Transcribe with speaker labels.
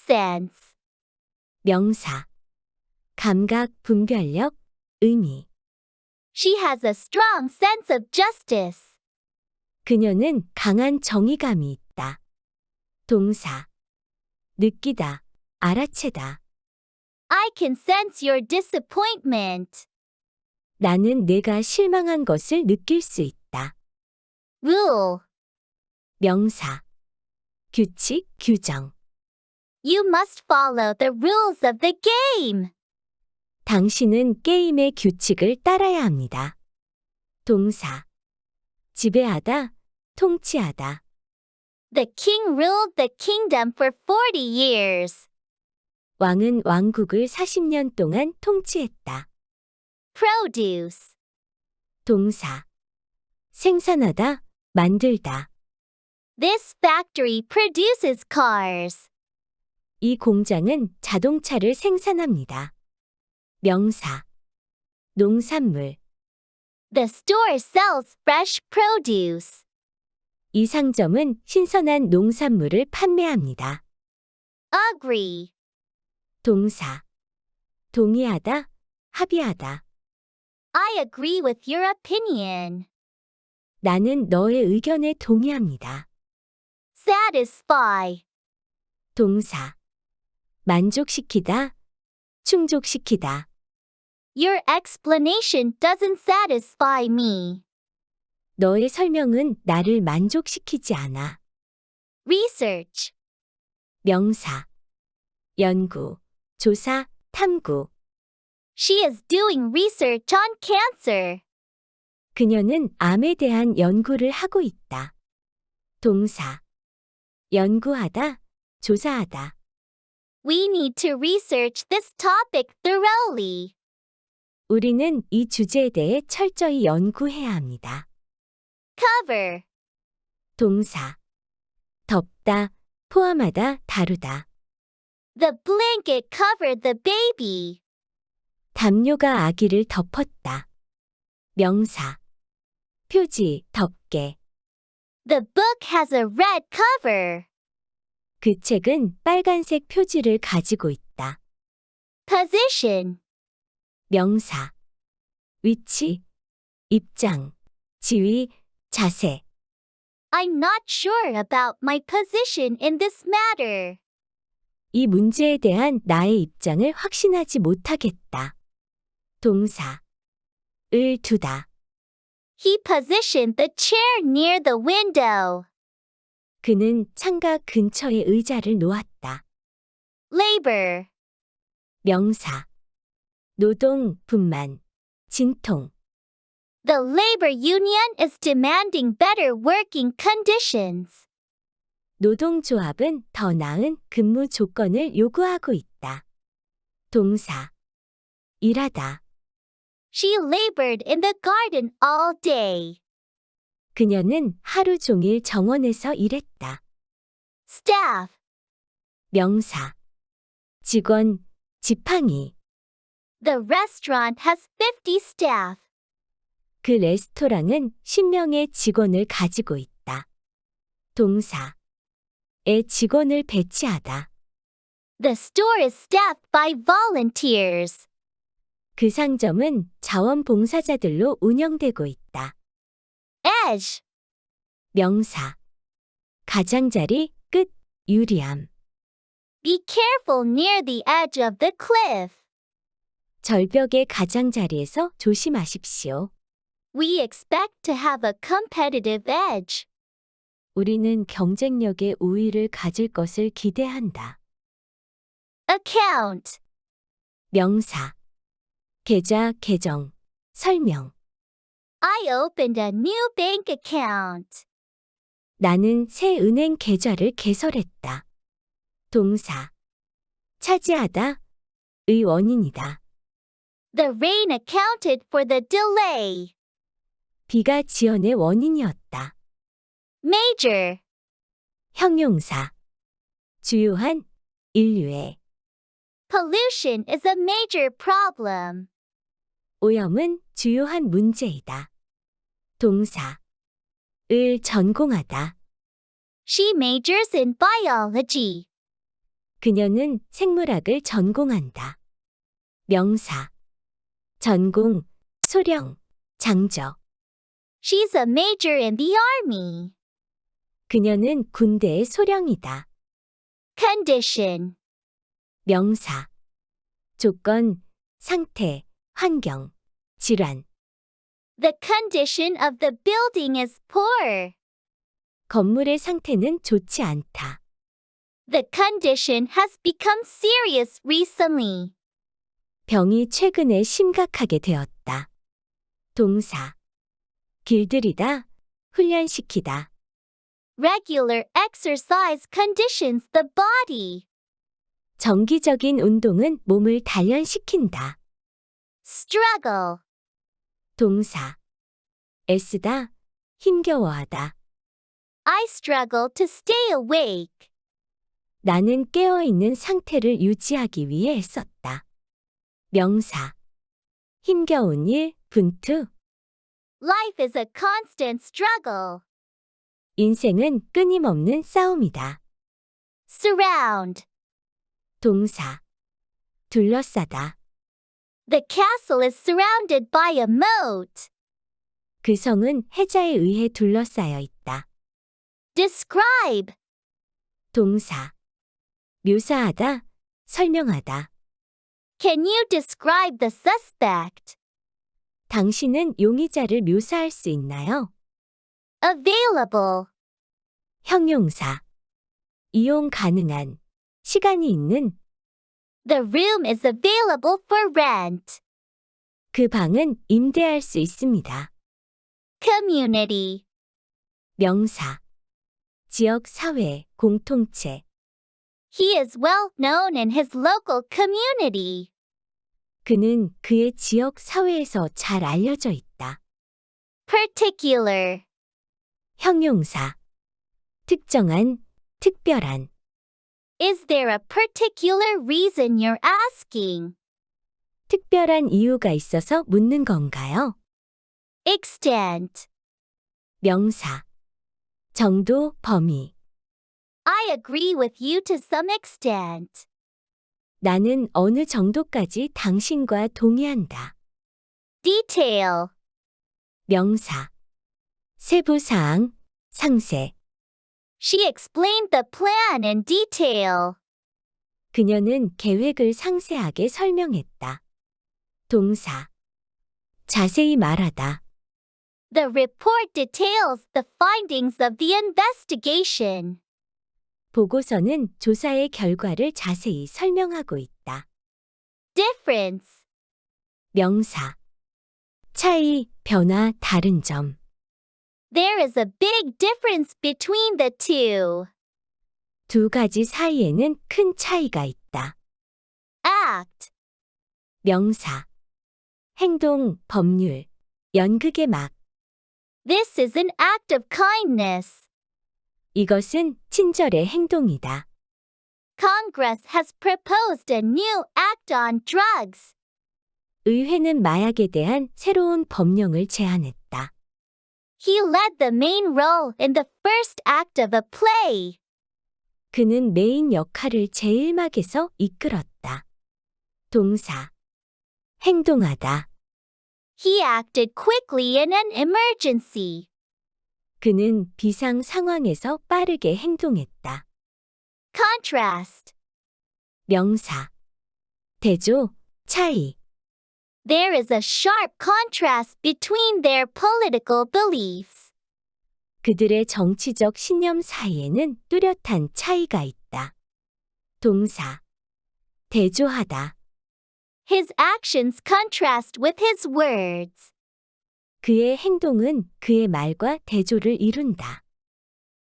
Speaker 1: sense.
Speaker 2: 명사. 감각, 분별력, 의미.
Speaker 1: She has a strong sense of justice.
Speaker 2: 그녀는 강한 정의감이 있다. 동사. 느끼다, 알아채다.
Speaker 1: I can sense your disappointment.
Speaker 2: 나는 내가 실망한 것을 느낄 수 있다.
Speaker 1: Rule.
Speaker 2: 명사. 규칙, 규정.
Speaker 1: You must follow the rules of the game.
Speaker 2: 당신은 게임의 규칙을 따라야 합니다. 동사. 지배하다, 통치하다.
Speaker 1: The king ruled the kingdom for 40 years.
Speaker 2: 왕은 왕국을 40년 동안 통치했다.
Speaker 1: Produce.
Speaker 2: 동사. 생산하다, 만들다.
Speaker 1: This factory produces cars.
Speaker 2: 이 공장은 자동차를 생산합니다. 명사. 농산물.
Speaker 1: The store sells fresh produce.
Speaker 2: 이 상점은 신선한 농산물을 판매합니다.
Speaker 1: Agree.
Speaker 2: 동사. 동의하다, 합의하다.
Speaker 1: I agree with your opinion.
Speaker 2: 나는 너의 의견에 동의합니다.
Speaker 1: Satisfy.
Speaker 2: 동사. 만족시키다, 충족시키다.
Speaker 1: Your explanation doesn't satisfy me.
Speaker 2: 너의 설명은 나를 만족시키지 않아.
Speaker 1: Research.
Speaker 2: 명사. 연구, 조사, 탐구.
Speaker 1: She is doing research on cancer.
Speaker 2: 그녀는 암에 대한 연구를 하고 있다. 동사. 연구하다, 조사하다.
Speaker 1: We need to research this topic thoroughly.
Speaker 2: 우리는 이 주제에 대해 철저히 연구해야 합니다.
Speaker 1: Cover.
Speaker 2: 동사. 덮다, 포함하다, 다루다.
Speaker 1: The blanket covered the baby.
Speaker 2: 담요가 아기를 덮었다. 명사. 표지, 덮개.
Speaker 1: The book has a red cover.
Speaker 2: 그 책은 빨간색 표지를 가지고 있다.
Speaker 1: Position.
Speaker 2: 명사. 위치, 입장, 지위, 자세.
Speaker 1: I'm not sure about my position in this matter.
Speaker 2: 이 문제에 대한 나의 입장을 확신하지 못하겠다. 동사. 을 두다.
Speaker 1: He positioned the chair near the window.
Speaker 2: 그는 창가 근처에 의자를 놓았다.
Speaker 1: Labor.
Speaker 2: 명사. 노동, 분만, 진통.
Speaker 1: The labor union is demanding better working conditions.
Speaker 2: 노동조합은 더 나은 근무 조건을 요구하고 있다. 동사. 일하다.
Speaker 1: She labored in the garden all day.
Speaker 2: 그녀는 하루 종일 정원에서 일했다.
Speaker 1: Staff.
Speaker 2: 명사. 직원, 지팡이.
Speaker 1: The restaurant has 50 staff.
Speaker 2: 그 레스토랑은 10명의 직원을 가지고 있다. 동사. 의 직원을 배치하다.
Speaker 1: The store is staffed by volunteers.
Speaker 2: 그 상점은 자원봉사자들로 운영되고 있다.
Speaker 1: Edge.
Speaker 2: 명사. 가장자리, 끝, 유리함.
Speaker 1: Be careful near the edge of the cliff.
Speaker 2: 절벽의 가장자리에서 조심하십시오.
Speaker 1: We expect to have a competitive edge.
Speaker 2: 우리는 경쟁력의 우위를 가질 것을 기대한다.
Speaker 1: Account.
Speaker 2: 명사. 계좌, 계정, 설명.
Speaker 1: I opened a new bank account.
Speaker 2: 나는 새 은행 계좌를 개설했다. 동사. 차지하다, 의 원인이다.
Speaker 1: The rain accounted for the delay.
Speaker 2: 비가 지연의 원인이었다.
Speaker 1: Major.
Speaker 2: 형용사. 주요한, 인류의.
Speaker 1: Pollution is a major problem.
Speaker 2: 오염은 주요한 문제이다. 동사. 을 전공하다.
Speaker 1: She majors in biology.
Speaker 2: 그녀는 생물학을 전공한다. 명사. 전공, 소령, 장저.
Speaker 1: She's a major in the army.
Speaker 2: 그녀는 군대의 소령이다.
Speaker 1: Condition.
Speaker 2: 명사. 조건, 상태, 환경, 질환.
Speaker 1: The condition of the building is poor.
Speaker 2: 건물의 상태는 좋지 않다.
Speaker 1: The condition has become serious recently.
Speaker 2: 병이 최근에 심각하게 되었다. 동사. 길들이다, 훈련시키다.
Speaker 1: Regular exercise conditions the body.
Speaker 2: 정기적인 운동은 몸을 단련시킨다.
Speaker 1: Struggle.
Speaker 2: 동사. 애쓰다, 힘겨워하다.
Speaker 1: I struggle to stay awake.
Speaker 2: 나는 깨어있는 상태를 유지하기 위해 애썼다. 명사. 힘겨운 일, 분투.
Speaker 1: Life is a constant struggle.
Speaker 2: 인생은 끊임없는 싸움이다.
Speaker 1: Surround.
Speaker 2: 동사. 둘러싸다.
Speaker 1: The castle is surrounded by a moat.
Speaker 2: 그 성은 해자에 의해 둘러싸여 있다.
Speaker 1: Describe.
Speaker 2: 동사. 묘사하다, 설명하다.
Speaker 1: Can you describe the suspect?
Speaker 2: 당신은 용의자를 묘사할 수 있나요?
Speaker 1: Available.
Speaker 2: 형용사. 이용 가능한, 시간이 있는.
Speaker 1: The room is available for rent.
Speaker 2: 그 방은 임대할 수 있습니다.
Speaker 1: Community.
Speaker 2: 명사. 지역 사회, 공통체.
Speaker 1: He is well known in his local community.
Speaker 2: 그는 그의 지역 사회에서 잘 알려져 있다.
Speaker 1: Particular.
Speaker 2: 형용사. 특정한, 특별한.
Speaker 1: Is there a particular reason you're asking?
Speaker 2: 특별한 이유가 있어서 묻는 건가요?
Speaker 1: Extent.
Speaker 2: 명사. 정도, 범위.
Speaker 1: I agree with you to some extent.
Speaker 2: 나는 어느 정도까지 당신과 동의한다.
Speaker 1: Detail.
Speaker 2: 명사. 세부사항, 상세.
Speaker 1: She explained the plan in detail.
Speaker 2: 그녀는 계획을 상세하게 설명했다. 동사. 자세히 말하다.
Speaker 1: The report details the findings of the investigation.
Speaker 2: 보고서는 조사의 결과를 자세히 설명하고 있다.
Speaker 1: Difference.
Speaker 2: 명사. 차이, 변화, 다른 점.
Speaker 1: There is a big difference between the two.
Speaker 2: 두 가지 사이에는 큰 차이가 있다.
Speaker 1: Act.
Speaker 2: 명사. 행동, 법률. 연극의 막.
Speaker 1: This is an act of kindness.
Speaker 2: 이것은 친절의 행동이다.
Speaker 1: Congress has proposed a new act on drugs.
Speaker 2: 의회는 마약에 대한 새로운 법령을 제안했다.
Speaker 1: He led the main role in the first act of a play.
Speaker 2: 그는 메인 역할을 제1막에서 이끌었다. 동사. 행동하다.
Speaker 1: He acted quickly in an emergency.
Speaker 2: 그는 비상 상황에서 빠르게 행동했다.
Speaker 1: Contrast.
Speaker 2: 명사. 대조, 차이.
Speaker 1: There is a sharp contrast between their political beliefs.
Speaker 2: 그들의 정치적 신념 사이에는 뚜렷한 차이가 있다. 동사. 대조하다.
Speaker 1: His actions contrast with his words.
Speaker 2: 그의 행동은 그의 말과 대조를 이룬다.